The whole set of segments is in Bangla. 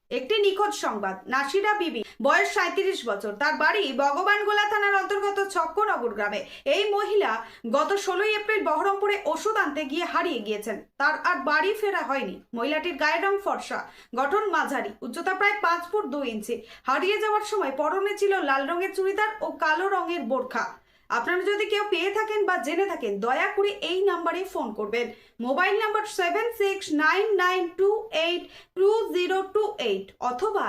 একটি নিখোঁজ সংবাদ। নাসিরা বিবি, বয়স 37 বছর, তার বাড়ি ভগবানগোলা থানার অন্তর্গত ছক্কনগর গ্রামে। এই মহিলা গত 16 এপ্রিল বহরমপুরে ওষুধ আনতে গিয়ে হারিয়ে গিয়েছেন। তার আর বাড়ি ফেরা হয়নি। মহিলাটির গায়ের রং ফর্সা, গঠন মাঝারি, উচ্চতা প্রায় 5 ফুট 2 ইঞ্চি। হারিয়ে যাওয়ার সময় পরনে ছিল লাল রঙের চুড়িদার ও কালো রঙের বোরখা। আপনারা যদি কেউ পেয়ে থাকেন বা জেনে থাকেন, দয়া করে এই নাম্বারে ফোন করবেন। মোবাইল নাম্বার 7699282028 অথবা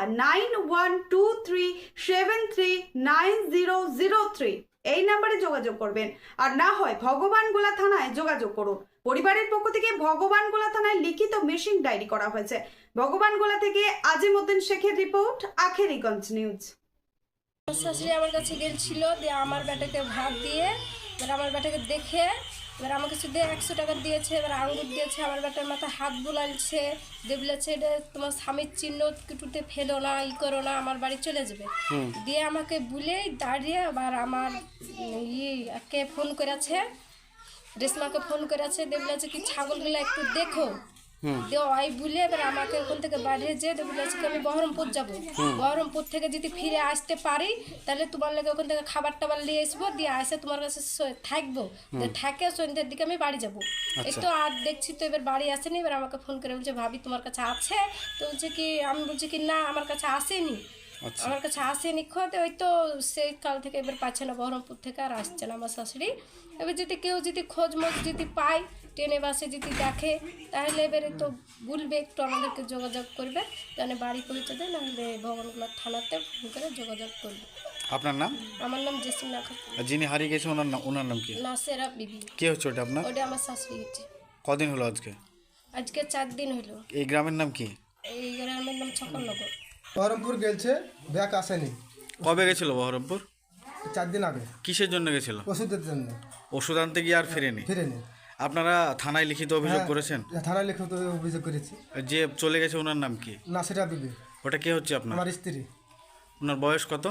9123739003 এই নাম্বারে যোগাযোগ করবেন। আর না হয় ভগবানগোলা থানায় যোগাযোগ করুন। পরিবারের পক্ষ থেকে ভগবানগোলা থানায় লিখিত মিসিং ডায়েরি করা হয়েছে। ভগবানগোলা থেকে আজিমউদ্দিন শেখের রিপোর্ট, আখেরিগঞ্জ নিউজ। শাশুড়ি আমার কাছে গেছিল, দিয়ে আমার বেটাকে ভাত দিয়ে, এবার আমার বেটাকে দেখে এবার আমাকে শুধু 100 টাকা দিয়েছে। এবার আঙ্গুর দিয়েছে, আমার বেটার মাথায় হাত বুলাইছে, দিয়ে বলেছে এটা তোমার স্বামীর চিহ্ন, কুটুতে ফেলো না, ই করো না, আমার বাড়ি চলে যাবে। দিয়ে আমাকে বুলেই দাঁড়িয়ে আবার আমার কে ফোন করেছে, রেশমাকে ফোন করেছে, দিয়ে বলেছে কি ছাগলগুলো একটু দেখো। দিয়ে ওই বলে এবার আমাকে ওখান থেকে বাড়িয়ে যেয়ে বলেছে কি আমি বহরমপুর যাবো, বহরমপুর থেকে যদি ফিরে আসতে পারি তাহলে তোমার লেগে ওখান থেকে খাবার টাবার নিয়ে আসবো, দিয়ে আসে তোমার কাছে থাকবো, থাকে সন্ধ্যের দিকে আমি বাড়ি যাবো। এই তো আর দেখছি তো এবার বাড়ি আসেনি। এবার আমাকে ফোন করে বলছে ভাবি তোমার কাছে আছে, তো বলছে কি আমি বলছি কি না আমার কাছে আসেনি, আমার কাছে আসেনি খোঁজ। ওই তো সেই কাল থেকে এবার পাচ্ছে না, বহরমপুর থেকে আর আসছে না আমার শাশুড়ি। এবার যদি কেউ যদি খোঁজ মোজ যদি পায়, ট্রেনে বাসে যদি দেখে, তাহলে এবারে তো বলবে, একটু আমাদেরকে যোগাযোগ করবে, তাহলে বাড়ি পৌঁছে দেয়, নাহলে ভগবানগোলা থানাতে ফোন করে যোগাযোগ করবে। আপনার নাম? আমার নাম জেসিনা খাতুন। আর যিনি হারিয়ে গেছে ওনার নাম কি? নাসেরা বিবি। কে হচ্ছে ওটা আপনার? ওটা আমার শাশুড়ি হচ্ছে। কদিন হলো আজকে? আজকে 4 দিন হলো। এই গ্রামের নাম কি? এই গ্রামের নাম ছক্কনগর। বহরমপুর গেছে, ব্যাগ আসেনি। কবে গেছিল বহরমপুর? 4 দিন আগে। কিসের জন্য গেছিল? ওষুধের জন্য। ওষুধ আনতে গিয়ে আর ফেরেনি? ফিরেনি। আপনারা থানায় লিখিত অভিযোগ করেছেন? থানায় লিখিত অভিযোগ করেছি। যে চলে গেছে ওনার নাম কি? নাসিরা বিবি। ওটা কে হচ্ছে আপনার? আমার স্ত্রী। ওনার বয়স কত?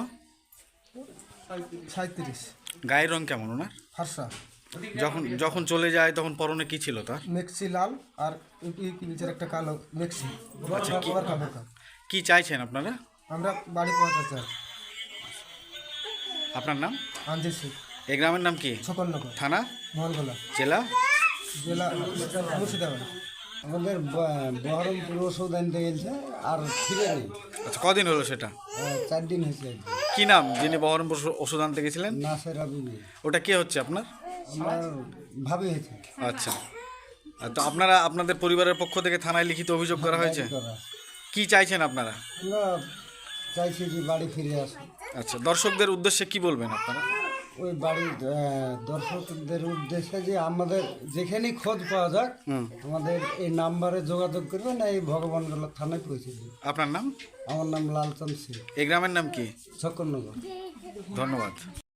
37। গায়ের রং কেমন ওনার? ফর্সা। যখন চলে যায় তখন পরনে কি ছিল তার? মেক্সি লাল আর একটা কালো মেক্সি। কি চাইছেন আপনারা? আমরা বাড়ি পৌঁছাতে চাই। আপনার নাম? আঞ্জিল শেখ। এই গ্রামের নাম কি? ছক্কনগর। থানা? ভগবানগোলা। জেলা? জেলা মুর্শিদাবাদ। আমাদের বহরমপুর ওষুধ আনতে গেছে আর ফিরে নেই। আচ্ছা, কদিন হলো সেটা? 4 দিন হয়েছে। কি নাম যিনি বহরমপুর ওষুধ আনতে গেছিলেন? নাসেরা বিবি। ওটা কে হচ্ছে আপনার? আমার ভাবি হয়েছে। আচ্ছা, তো আপনারা আপনাদের পরিবারের পক্ষ থেকে থানায় লিখিত অভিযোগ করা হয়েছে? কি চাইছেন আপনারা? আমরা চাইছি যে বাড়ি ফিরে আসুন। আচ্ছা, দর্শকদের উদ্দেশ্যে কি বলবেন আপনারা? ওই বাড়ির দর্শকদের উদ্দেশ্যে যে আমাদের যেখানেই খোঁজ পাওয়া যাক আমাদের এই নাম্বারে যোগাযোগ করবেন, এই ভগবানগোলা থানায় পৌঁছে দেবে। আপনার নাম? আমার নাম লালচাঁদ সিং। এই গ্রামের নাম কি? ছক্কনগর। ধন্যবাদ।